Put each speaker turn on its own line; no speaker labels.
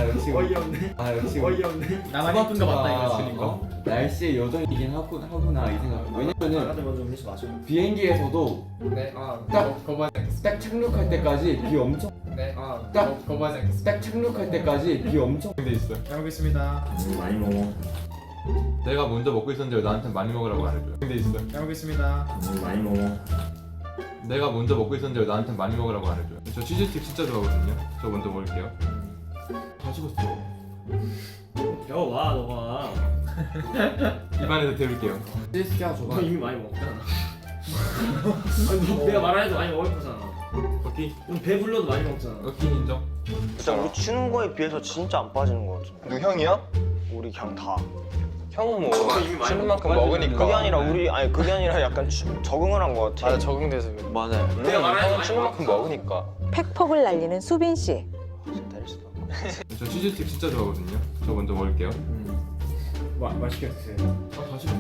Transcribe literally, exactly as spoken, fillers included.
아 역시
어이없네.
아 역시
어이없네.
나만 예쁜 거 맞다 이거
어?
주는 거.
날씨의 요정이긴 하구, 하구나 이 생각. 왜냐면은
나한테 먼저 음식 마셔.
비행기에서도
네.
아,
딱-
거부하지 않겠습니다.
딱 착륙할 때까지 비 엄청
네.
아,
딱-
거부하지 않겠습니다.
딱 착륙할 때까지 비 엄청
돼 있어.
잘 먹겠습니다.
음, 많이 먹어.
내가 먼저 먹고 있었는데 왜 나한테 많이 먹으라고 안 해줘요? 돼 있어.
잘 먹겠습니다.
음, 많이 먹어.
내가 먼저 먹고 있었는데 왜 나한테 많이 먹으라고 안 해줘요? 저 치즈스틱 진짜 좋아하거든요. 저 먼저 먹을게요. 다 식었어.
배워와 너가.
입안에서 데울게요.
치즈스티가 줘봐.
너 이미 많이 먹잖아. 아니, 너 내가 말안해도 많이 먹을 거잖아.
오케이.
넌 배불러도 많이 먹잖아.
오케이 인정.
진짜 우리 추는 거에 비해서 진짜 안 빠지는 거 같은데.
누 형이야?
우리 그냥 다.
형은 뭐
이미 많이
치는 만큼
먹고
먹으니까.
그게 아니라 우리 아니 그게 아니라 약간 추, 적응을 한 거 같아.
맞아 적응돼서 그래.
맞아요.
내가 말하는
형은
거
치는
많이
만큼 먹으니까.
팩폭을 날리는 수빈 씨.
때릴 수도.
저 치즈스틱 진짜 좋아하거든요. 저 먼저 먹을게요.
마, 맛있게 드세요.
아, 다 식었어.